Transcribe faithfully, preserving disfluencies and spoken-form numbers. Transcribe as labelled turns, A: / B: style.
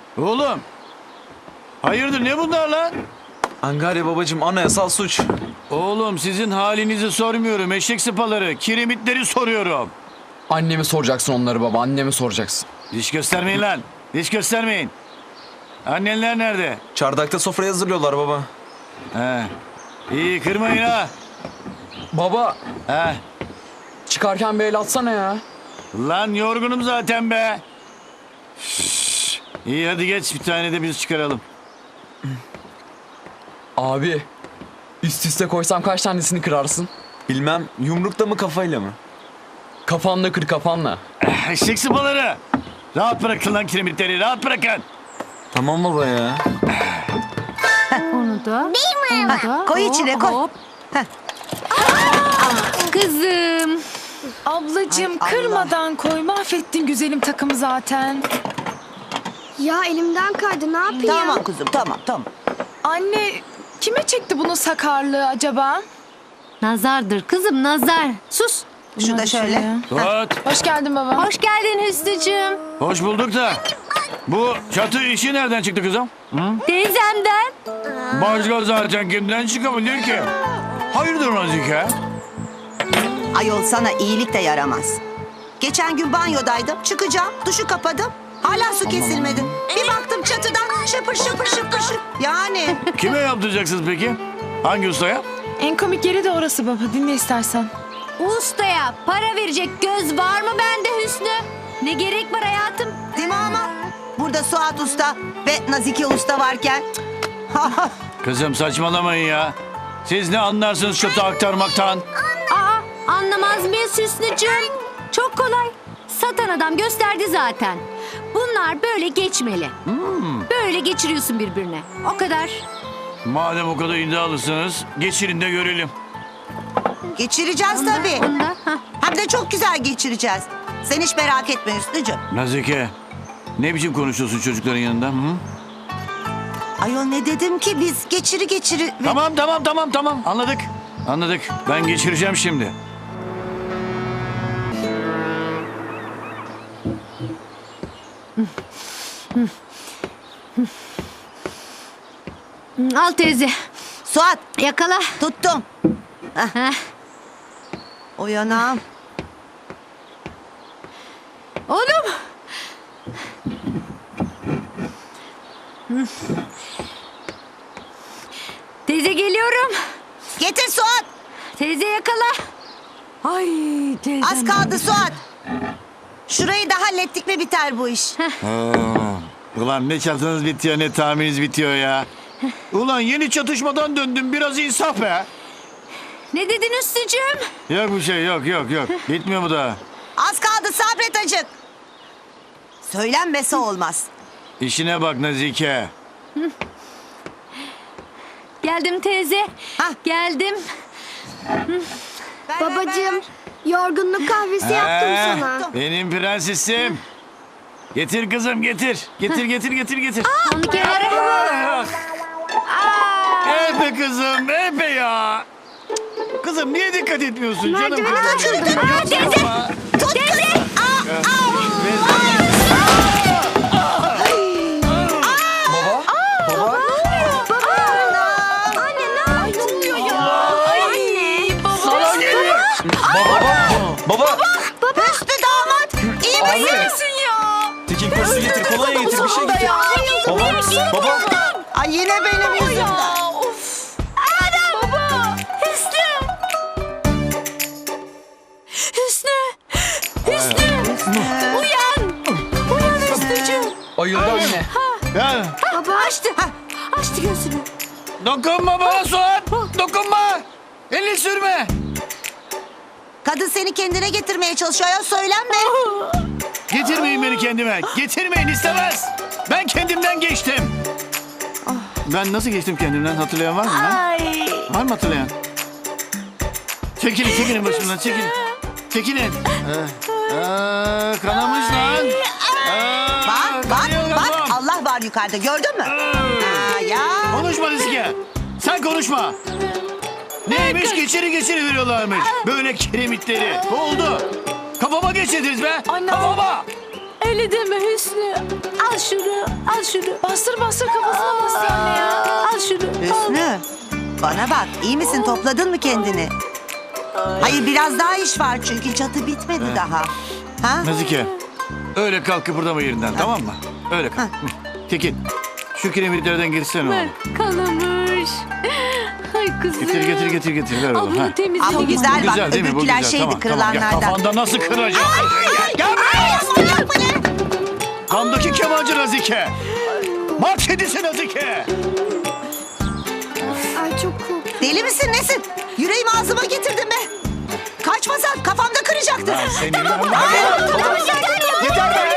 A: Oğlum. Hayırdır ne bunlar lan?
B: Angarya babacığım, anayasal suç.
A: Oğlum sizin halinizi sormuyorum. Eşek sıpaları, kiremitleri soruyorum.
C: Annemi soracaksın onları baba, annemi soracaksın.
A: Diş göstermeyin lan. Diş göstermeyin. Annenler nerede?
B: Çardakta sofrayı hazırlıyorlar baba.
A: He. İyi kırmayın ha.
C: Baba,
A: He.
C: çıkarken bir el atsana ya.
A: Lan yorgunum zaten be. Şşş. İyi hadi geç bir tane de biz çıkaralım.
C: Abi, üst üste koysam kaç tanesini kırarsın?
B: Bilmem, yumrukta mı kafayla mı?
C: Kafanla kır, kafanla.
A: Eşek sıpaları. Rahat bırakın lan kiremitleri rahat bırakın.
B: Tamam baba ya.
D: Onu da.
E: Değil mi?
D: Onu da.
E: Koy içine, koy.
D: Hop. Kızım.
F: Ablacığım
E: Ay, Allah.
F: kırmadan koy. Mahvettin güzelim takımı zaten.
G: Ya elimden kaydı ne yapayım?
E: Tamam kuzum, tamam tamam.
F: Anne kime çekti bunun sakarlığı acaba?
D: Nazardır kızım nazar. Sus.
E: Şu da şöyle.
A: Suat.
F: Hoş geldin baba.
D: Hoş geldin Hüsnü'cüğüm.
A: Hoş bulduk da. Bu çatı işi nereden çıktı kızım?
D: Teyzemden.
A: Başka zaten kimden çıkabilir ki? Hayırdır Nazike?
E: Ayol sana iyilik de yaramaz. Geçen gün banyodaydım, çıkacağım, duşu kapadım. Hala su kesilmedi. Bir baktım çatıdan şıpır şıpır şıpır şıpır. Yani
A: Kime yaptıracaksınız peki? Hangi ustaya?
F: En komik yeri de orası baba. Dinle istersen.
D: Ustaya para verecek göz var mı bende Hüsnü? Ne gerek var hayatım?
E: değil mi ama? Burada Suat Usta ve Nazike Usta varken...
A: Kızım saçmalamayın ya. Siz ne anlarsınız çatı aktarmaktan?
D: Aa, anlamaz mıyız Hüsnü'cüğüm? Çok kolay. Satan adam gösterdi zaten. Bunlar böyle geçmeli. Böyle geçiriyorsun birbirine. O kadar.
A: Madem o kadar iddialısınız, geçirin de görelim.
E: Geçireceğiz tabii.
D: Onda, hah.
E: Hem de çok güzel geçireceğiz. Sen hiç merak etme Hüsnücüğüm.
A: Nazike, ne biçim konuşuyorsun çocukların yanında? Hı?
E: Ayol ne dedim ki biz geçiri geçiri...
A: Tamam, tamam, tamam, tamam. Anladık. Anladık. Ben geçireceğim şimdi.
D: Al teyze.
E: Suat
D: Yakala.
E: tuttum.
D: Heh.
E: O yanağım.
D: Oğlum. Teyze geliyorum.
E: Getir Suat.
D: Teyze yakala. Ay teyze.
E: Az kaldı Suat. Şurayı da hallettik mi biter bu iş.
A: Ulan ne çatınız bitiyor ne tahmininiz bitiyor ya. Ulan yeni çatışmadan döndüm biraz insaf be.
D: Ne dedin Hüsnü'cüğüm?
A: Yok bir şey yok yok yok. Bitmiyor mu daha?
E: Az kaldı sabret acık. Söylenmese olmaz.
A: İşine bak Nazike.
D: Geldim teyze.
E: Hah.
D: Geldim.
E: Ver, ver, ver,
G: Babacığım
E: ver.
G: yorgunluk kahvesi yaptım
A: Ee,
G: sana.
A: Benim prensesim. Getir kızım getir. Getir getir getir getir.
D: Onu kenara mı?
A: Ah, Epe kızım epe ya. Kızım niye dikkat etmiyorsun canım
G: Merdiveni
A: kızım?
G: kaçırdın.
A: Aa, teyze.
E: Tut kız.
G: Anne ne oluyor ya? Anne.
A: Sana geliyor.
B: Baba!
E: Hüsnü damat. İyi misin?
F: Nesin ya?
B: Tekin kursu getir, kolonya getir, bir şey getir. Baba! Baba!
E: Ay yine benim yüzümden.
F: Of.
D: Baba. Hüsnü. Hüsnü. Hüsnü. Uyan. Uyan Hüsnü'cüğüm.
C: Ayıldı anne.
A: Ya,
D: Baba açtı. Açtı gözünü.
A: dokunma bana Suat. Dokunma. Elini sürme.
E: Kadın seni kendine getirmeye çalışıyor ya söylenme.
A: Getirmeyin beni kendime. Getirmeyin istemez. Ben kendimden geçtim. Ben nasıl geçtim kendimden hatırlayan var mı? lan?
D: Ay.
A: Var mı hatırlayan? Çekilin çekilin başımdan çekilin. Çekilin. Ee, ee, kanamış lan. Ee,
E: Bak bak
A: kanıyor
E: bak
A: kafam.
E: Allah var yukarıda gördün mü? Aa, ya.
A: Konuşma Rizke. Sen konuşma. Neymiş geçiri geçiri veriyorlarmış. Böyle kiremitleri. Ne oldu? Kafama geçirdiniz be.
F: Anne.
A: Kafama.
D: Öyle deme Hüsnü. Al şunu. Al şunu.
E: Bana bak, iyi misin? Topladın mı kendini? Hayır, biraz daha iş var çünkü çatı bitmedi daha. Ha?
A: Nazike. Öyle kalk kıpırdama yerinden tamam mı? Öyle kalk. Hı. Tekin. Şu kiremitlerden girsene oğlum.
D: Kalamış. Ay kızım.
A: Getir getir getir getir. Ver oğlum.
D: Abla
A: Ha.
D: temizle.
E: Ama
A: Bu
E: güzel bak,
A: güzel değil mi? Bu
E: öbürküler
A: güzel.
E: şeydi,
A: Tamam, tamam. Ya
E: kırılanlardan.
A: kafanda nasıl kıracağım? Gel buraya. Kamdaki kemancı Nazike. Mart kedisi Nazike.
G: Ay çok korktum.
E: Deli misin nesin? Yüreğimi ağzıma getirdin be. Kaçmasan kafamda kıracaktın.
A: Ben seni... Yeter be.